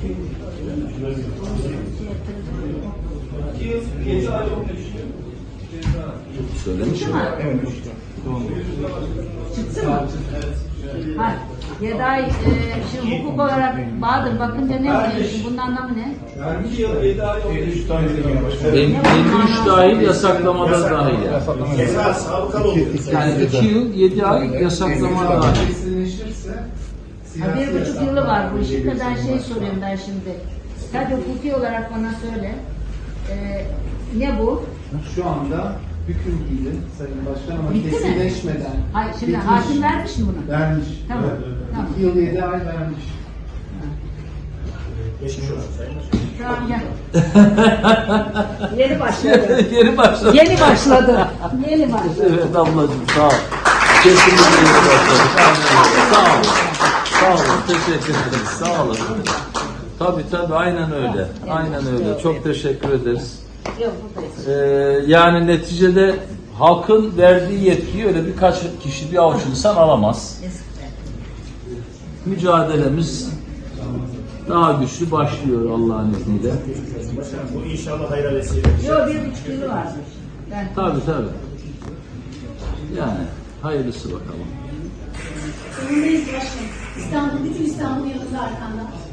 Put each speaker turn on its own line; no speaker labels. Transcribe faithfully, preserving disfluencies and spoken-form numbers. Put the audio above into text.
Söylemiş mi?
Evet.
Çıktı mı? Hayır. Yedi ay, e, şimdi hukuk olarak Bahadır bakınca ne oluyor? Şimdi bunun anlamı ne?
Yani iki yıl yedi ay oldu. elli üç tane de yine başladı.
elli üç dahil, yasaklamada dahil yani.
Ceza sabıkalı oluyor.
Yani iki yıl yedi ay yasaklama dahil.
Ha, bir buçuk yılı var bu işin. Kadar şey soruyorum ben şimdi. Sadece hukuki olarak bana söyle. E, ne bu?
Şu anda hüküm giydi Sayın Başkan ama
Bitti mi?
kesinleşmeden.
Hayır, şimdi
bitmiş.
hakim vermiş mi bunu?
Vermiş.
Tamam,
Evet.
tamam.
İki yıl yedi ay vermiş.
Geçmiş olsun Sayın Başkan.
Tamam gel. Yeni başladı.
Yeni başladı.
Yeni başladı. Yeni başladı.
Evet ablacığım sağ ol. Kesinlikle yeni başladı. Sağ olun. Sağ olun. Teşekkür ederiz. Sağ olun. Tabii tabii aynen öyle. Aynen öyle. Çok teşekkür ederiz.
Yok buradayız.
Ee, yani neticede halkın verdiği yetkiyi öyle birkaç kişi bir avuç insan alamaz. Mücadelemiz daha güçlü başlıyor Allah'ın izniyle.
Başkanım bu inşallah hayra vesile.
Yok bir buçuk yılı varmış. Ben
Tabii tabii. Yani hayırlısı bakalım.
Önündeyiz başkanım. İstanbul, bütün İstanbul yanınızda arkanda.